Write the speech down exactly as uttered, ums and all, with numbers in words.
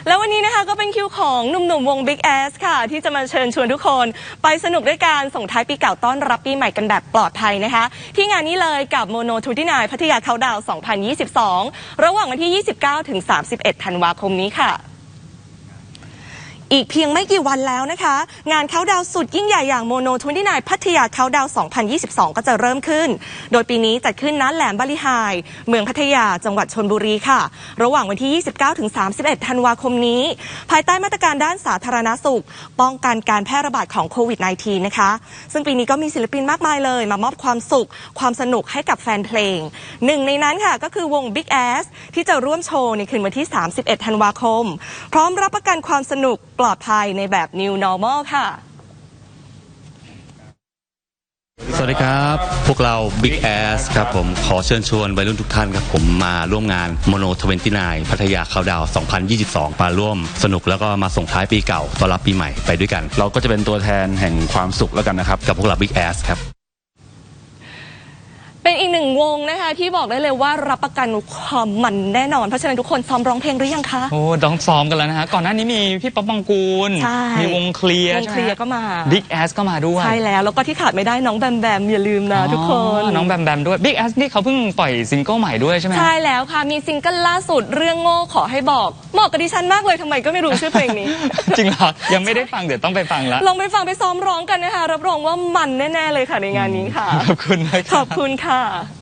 แล้ววันนี้นะคะก็เป็นคิวของหนุ่มๆวง Big Ass ค่ะที่จะมาเชิญชวนทุกคนไปสนุกด้วยการส่งท้ายปีเก่าต้อนรับปีใหม่กันแบบปลอดภัยนะคะที่งานนี้เลยกับ Mono ยี่สิบเก้าพัทยาเคาน์ดาวน์ สองพันยี่สิบสอง ระหว่างวันที่ ยี่สิบเก้าถึงสามสิบเอ็ด ธันวาคมนี้ค่ะอีกเพียงไม่กี่วันแล้วนะคะงานเคาน์ดาวน์สุดยิ่งใหญ่อย่าง Mono ยี่สิบเก้าพัทยาเคาน์ดาวน์ สองพันยี่สิบสอง ก็จะเริ่มขึ้นโดยปีนี้จัดขึ้นณแหลมบาลีไฮเมืองพัทยาจังหวัดชลบุรีค่ะระหว่างวันที่ ยี่สิบเก้าถึงสามสิบเอ็ด ธันวาคมนี้ภายใต้มาตรการด้านสาธารณสุขป้องกันการแพร่ระบาดของโควิด สิบเก้า นะคะซึ่งปีนี้ก็มีศิลปินมากมายเลยมามอบความสุขความสนุกให้กับแฟนเพลงหนึ่งในนั้นค่ะก็คือวง Big Ass ที่จะร่วมโชว์ในคืนวันที่ สามสิบเอ็ด ธันวาคมพร้อมรับประกันความสนุกปลอดภัยในแบบ New Normal ค่ะสวัสดีครับพวกเรา Big Ass ครับผมขอเชิญชวนวัยรุ่นทุกท่านครับผมมาร่วมงาน Mono ยี่สิบเก้าพัทยาเคาน์ดาวน์ สองพันยี่สิบสอง มาร่วมสนุกแล้วก็มาส่งท้ายปีเก่าต้อนรับปีใหม่ไปด้วยกันเราก็จะเป็นตัวแทนแห่งความสุขแล้วกันนะครับกับพวกเรา Big Ass ครับเป็นอีกหนึ่งวงนะคะที่บอกได้เลยว่ารับประกันความมันแน่นอนเพราะฉะนั้นทุกคนซ้อมร้องเพลงหรือยังคะโอ้ต้องซ้อมกันแล้วนะฮะก่อนหน้านี้มีพี่ป๊อปปองกูลมีวงเคลียร์วงเคลียร์ก็มา Big Ass ก็มาด้วยใช่แล้วแล้วก็ที่ขาดไม่ได้น้องแบมแบมอย่าลืมนะทุกคนน้องแบมแบมด้วย Big Ass นี่เขาเพิ่งปล่อยซิงเกิลใหม่ด้วยใช่ไหมใช่แล้วค่ะมีซิงเกิลล่าสุดเรื่องโง่ขอให้บอกเหมาะกับดิฉันมากเลยทำไมก็ไม่รู้ชื่อเพลงนี้จริงเหรอยังไม่ได้ฟังเดี๋ยวต้องไปฟังแล้วลองไปฟังไปซ้อมร้องกันนะคะรับรองว่ามันแน่ๆเลยค่ะในงานนี้ค่ะขอบคุณนะขอบคุณค่ะ